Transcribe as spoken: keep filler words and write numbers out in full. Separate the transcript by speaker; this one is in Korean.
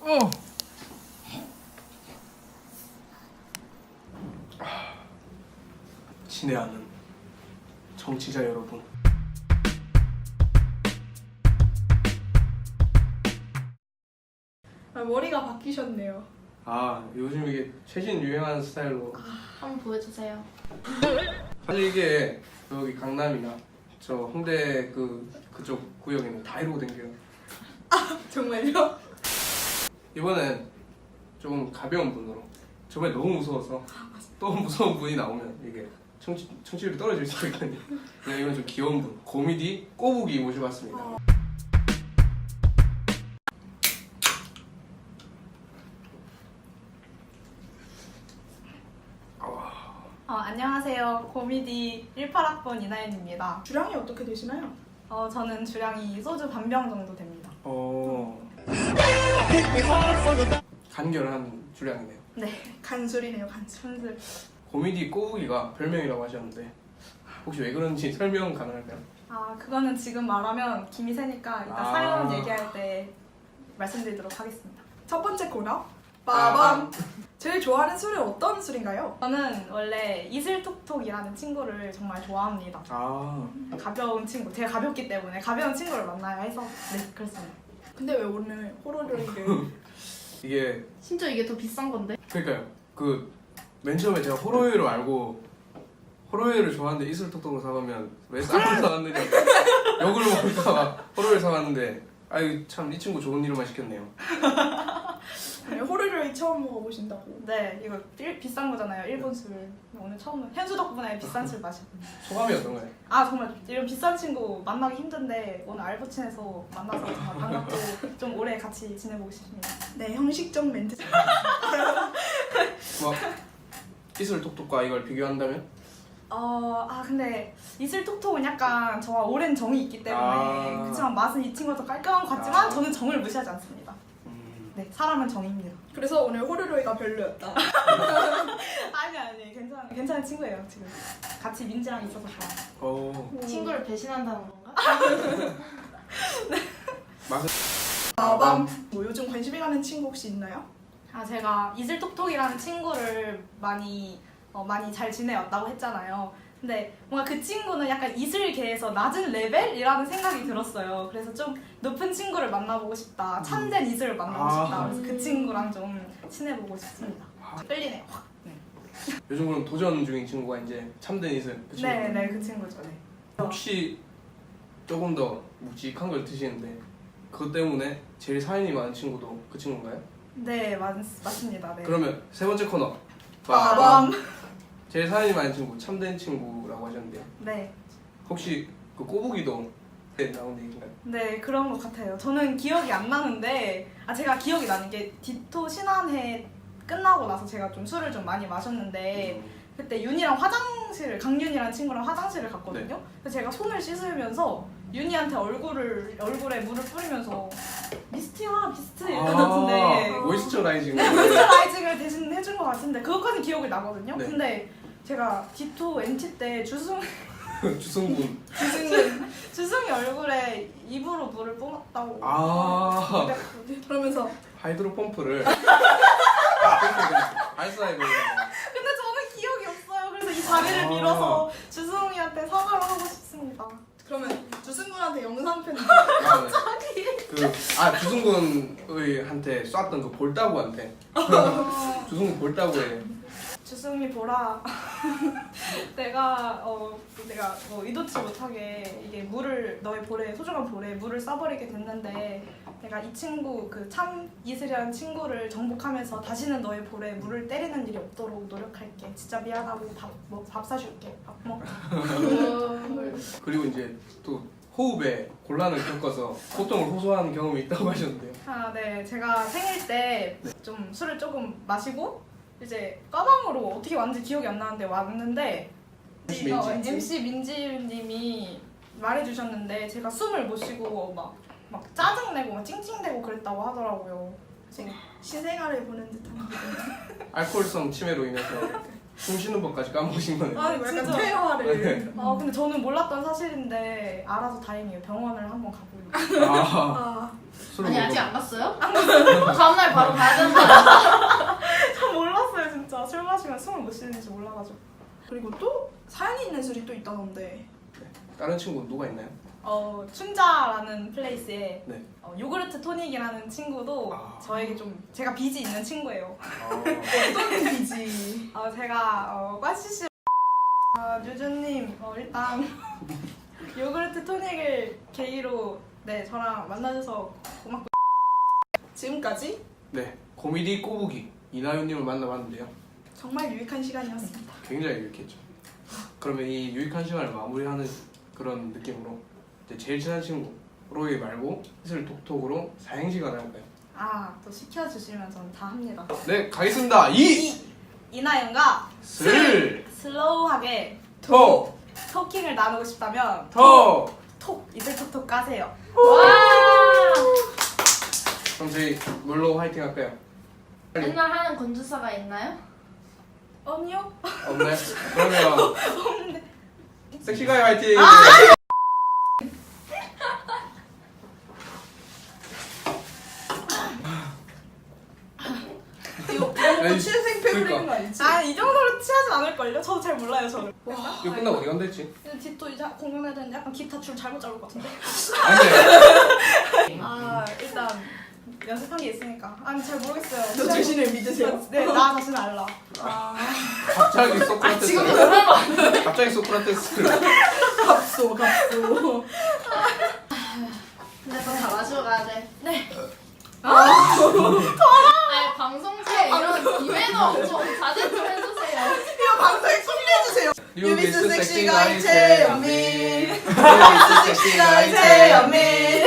Speaker 1: 어. 친애하는 정치자 여러분.
Speaker 2: 아, 머리가 바뀌셨네요.
Speaker 1: 아, 요즘 이게 최신 유행하는 스타일로.
Speaker 3: 한번 보여주세요.
Speaker 1: 사실 이게 여기 강남이나 저 홍대 그 그쪽 구역에는 다 이러고 댕겨요.
Speaker 2: 정말요?
Speaker 1: 이번엔 조금 가벼운 분으로. 저번에 너무 무서워서 또 무서운 분이 나오면 이게 청취, 청취율이 떨어질 수도 있거든요. 그냥 이건 좀 귀여운 분, 고미디 꼬부기 모셔봤습니다.
Speaker 2: 어.
Speaker 3: 어, 안녕하세요. 고미디 십팔 학번 이나연입니다.
Speaker 2: 주량이 어떻게 되시나요?
Speaker 3: 어, 저는 주량이 소주 반 병 정도 됩니다.
Speaker 1: 어. 간결한 주량이네요.
Speaker 3: 네,
Speaker 2: 간술이네요, 간술.
Speaker 3: 순술.
Speaker 1: 고미디 꼬부기가 별명이라고 하셨는데 혹시 왜 그런지 설명 가능할까요?
Speaker 3: 아, 그거는 지금 말하면 김이 새니까 이따
Speaker 1: 아.
Speaker 3: 사연 얘기할 때 말씀드리도록 하겠습니다.
Speaker 2: 첫 번째 코너
Speaker 1: 아.
Speaker 2: 빠밤. 제일 좋아하는 술은 어떤 술인가요?
Speaker 3: 저는 원래 이슬톡톡이라는 친구를 정말 좋아합니다.
Speaker 1: 아,
Speaker 3: 가벼운 친구, 제가 가볍기 때문에 가벼운 친구를 만나야 해서 네, 그렇습니다.
Speaker 2: 근데 왜 오늘 호로로이를
Speaker 1: 이게
Speaker 3: 심지어 이게 더 비싼 건데?
Speaker 1: 그러니까요. 그 맨 처음에 제가 호로웨이를 알고 호로웨이를 좋아하는데 이슬톡톡을 사가면 왜 쌀을 사왔느냐 욕을 먹을까봐 호로웨이 사왔는데 아유 참 이 친구 좋은 이름만 시켰네요.
Speaker 2: 호로로이 처음 먹어보신다고.
Speaker 3: 네, 이거 일, 비싼 거잖아요. 일본 술. 오늘 처음 현수 덕분에 비싼 술 마셨거든요.
Speaker 1: 소감이 어떤가요?
Speaker 3: 아 정말 이런 비싼 친구 만나기 힘든데 오늘 알부친에서 만나서 정말 반갑고 좀 오래 같이 지내보고 싶습니다.
Speaker 2: 네, 형식적 멘트.
Speaker 1: 뭐 이슬톡톡과 이걸 비교한다면?
Speaker 3: 어, 아 근데 이슬톡톡은 약간 저와 오랜 정이 있기 때문에
Speaker 1: 아.
Speaker 3: 그렇지만 맛은 이 친구가 더 깔끔한 것 같지만
Speaker 1: 아.
Speaker 3: 저는 정을 무시하지 않습니다.
Speaker 1: 음,
Speaker 3: 네, 사람은 정입니다.
Speaker 2: 그래서 오늘 호로로이가 별로였다.
Speaker 3: 아니 아니 괜찮 괜찮은 친구예요 지금. 같이 민지랑 있어서 좋아.
Speaker 1: 어
Speaker 3: 친구를 배신한다는 건가?
Speaker 1: 맛은
Speaker 2: 빠밤. 뭐 요즘 관심이 가는 친구 혹시 있나요?
Speaker 3: 아 제가 이슬톡톡이라는 친구를 많이 어, 많이 잘 지내왔다고 했잖아요. 근데 뭔가 그 친구는 약간 이슬계에서 낮은 레벨이라는 생각이 들었어요. 그래서 좀 높은 친구를 만나보고 싶다. 참된 이슬을 만나고 싶다.
Speaker 1: 아.
Speaker 3: 그래서 그 친구랑 좀 친해보고 싶습니다. 끌리네요. 확. 네.
Speaker 1: 요즘 그럼 도전 중인 친구가 이제 참된 이슬 그 친구.
Speaker 3: 네, 네, 그 친구죠. 네.
Speaker 1: 혹시 조금 더 묵직한 걸 드시는데 그것 때문에 제일 사연이 많은 친구도 그 친구인가요?
Speaker 3: 네, 맞, 맞습니다. 네.
Speaker 1: 그러면 세 번째 코너
Speaker 2: 빠밤.
Speaker 1: 제일 사연이 많은 친구 참된 친구라고 하셨는데요.
Speaker 3: 네.
Speaker 1: 혹시 그 꼬부기도 네, 나온 얘기인가요?
Speaker 3: 네, 그런 것 같아요. 저는 기억이 안 나는데, 아, 제가 기억이 나는 게 디토 신한회 끝나고 나서 제가 좀 술을 좀 많이 마셨는데, 그때 윤이랑 화장실을, 강윤이랑 친구랑 화장실을 갔거든요. 그래서 제가 손을 씻으면서 윤이한테 얼굴을, 얼굴에 물을 뿌리면서 미스트야, 비스트 이런 것 같은데,
Speaker 1: 아, 모이스처라이징.
Speaker 3: 모이스처라이징을 대신 해준 것 같은데, 그것까지 기억이 나거든요.
Speaker 1: 네.
Speaker 3: 근데 제가 디토 엠티 때 주승,
Speaker 1: 주승군.
Speaker 3: 주승이, 주승이 얼굴에 입으로 물을 뿜었다고.
Speaker 1: 아
Speaker 2: 그러면서
Speaker 1: 하이드로 펌프를 발사해 버리는
Speaker 3: 근데 저는 기억이 없어요. 그래서 이 자리를
Speaker 1: 아.
Speaker 3: 빌어서 주승이한테 사과를 하고 싶습니다.
Speaker 2: 그러면 주승군한테 영상 편지.
Speaker 1: 그아 주승군의 한테 쐈던 그 볼따구한테 주승군 볼따구에
Speaker 3: 주승이 보라. 내가 어 내가 뭐 의도치 못하게 이게 물을 너의 볼에 소중한 볼에 물을 쏴버리게 됐는데 내가 이 친구 그 참 이슬이라는 친구를 정복하면서 다시는 너의 볼에 물을 때리는 일이 없도록 노력할게. 진짜 미안하고 밥 뭐 밥 사줄게. 밥 먹.
Speaker 1: 그리고 이제 또 호흡에 곤란을 겪어서 고통을 호소하는 경험이 있다고 하셨는데요.
Speaker 3: 아, 네. 제가 생일 때 좀 술을 조금 마시고 이제 까방으로 어떻게 왔는지 기억이 안 나는데 왔는데
Speaker 1: 엠씨
Speaker 3: 어,
Speaker 1: 민지.
Speaker 3: 엠씨 민지님이 말해주셨는데 제가 숨을 못 쉬고 막, 막 짜증내고 막 찡찡대고 그랬다고 하더라고요.
Speaker 2: 신생아를 보는 듯한 기분.
Speaker 1: 알코올성 치매로 인해서 숨 쉬는 법까지 까먹으신 거네요.
Speaker 2: 아니 뭐 약간
Speaker 3: 진짜.
Speaker 2: 퇴화를.
Speaker 3: 아 근데 저는 몰랐던 사실인데 알아서 다행이에요. 병원을 한번 가보려고.
Speaker 1: 아,
Speaker 2: 아,
Speaker 1: 술을
Speaker 4: 아니
Speaker 1: 먹어.
Speaker 4: 아직 안 갔어요? 다음날 바로 가야 되는 거 아니야?
Speaker 3: 저 몰랐어요 진짜. 술 마시면 숨을 못 쉬는지 몰라가지고.
Speaker 2: 그리고 또 사연이 있는 술이 또 있다던데.
Speaker 1: 다른 친구 누가 있나요?
Speaker 3: 어 춘자라는 플레이스에
Speaker 1: 네.
Speaker 3: 어, 요구르트 토닉이라는 친구도
Speaker 1: 아.
Speaker 3: 저에게 좀 제가 빚이 있는 친구예요.
Speaker 1: 아,
Speaker 2: 어떤 일이지?
Speaker 3: 어, 제가 어, 과시시 아, 류주님 어, 일단 요구르트 토닉을 계기로 네 저랑 만나줘서 고맙고
Speaker 2: 지금까지
Speaker 1: 네. 코미디 꼬부기 이나윤님을 만나봤는데요.
Speaker 2: 정말 유익한 시간이었습니다.
Speaker 1: 굉장히 유익했죠. 그러면 이 유익한 시간을 마무리하는 그런 느낌으로 이제 제일 친한 친구 로이 말고 슬 톡톡으로 사행시간을 할까요?
Speaker 3: 아또 시켜주시면 저는 다 합니다.
Speaker 1: 네, 가겠습니다. 이,
Speaker 3: 이나연과
Speaker 1: 슬,
Speaker 3: 슬로우하게
Speaker 1: 톡,
Speaker 3: 토킹을 나누고 싶다면
Speaker 1: 톡.
Speaker 3: 톡 이슬 톡톡 까세요.
Speaker 4: 와!
Speaker 1: 그럼 저희 뭘로 화이팅 할까요? 빨리.
Speaker 4: 맨날 하는 건주사가 있나요?
Speaker 3: 아니요.
Speaker 1: 없나요? 그러면 섹시가이 화이팅!
Speaker 2: 이거 이거
Speaker 1: 에이,
Speaker 2: 취생 패
Speaker 1: 그러니까.
Speaker 2: 부리는 거 아니지?
Speaker 3: 아이 정도로 취하진 않을걸요? 저도 잘 몰라요 저를.
Speaker 1: 이거 끝나고 어디 간다 했지?
Speaker 3: 뒷도 이제 공연해야 되는데 약간 기타 줄 잘못 잡을 것 같은데.
Speaker 1: 안돼.
Speaker 3: 아 일단 연습한 게 있으니까. 아니 잘 모르겠어요.
Speaker 2: 너 자신을 믿으세요?
Speaker 3: 네, 나 자신 알라.
Speaker 2: 아,
Speaker 1: 갑자기 소크라테스.
Speaker 4: 지금도 뭐라고?
Speaker 1: 갑자기 소크라테스.
Speaker 2: 갑소 갑소.
Speaker 4: 근데 너 다 마시고 가야 돼.
Speaker 3: 네.
Speaker 4: 아니 방송국에 이런 기회도 좀 자제 좀 해주세요.
Speaker 2: 이거 방송에 소개해주세요.
Speaker 1: 뉴비스
Speaker 2: 뉴비스
Speaker 1: 섹시가이
Speaker 2: 섹시가이
Speaker 1: 최연민.
Speaker 2: 최연민.
Speaker 1: 뉴비스 섹시가이
Speaker 2: 섹시가이
Speaker 1: 최연민.
Speaker 2: 최연민.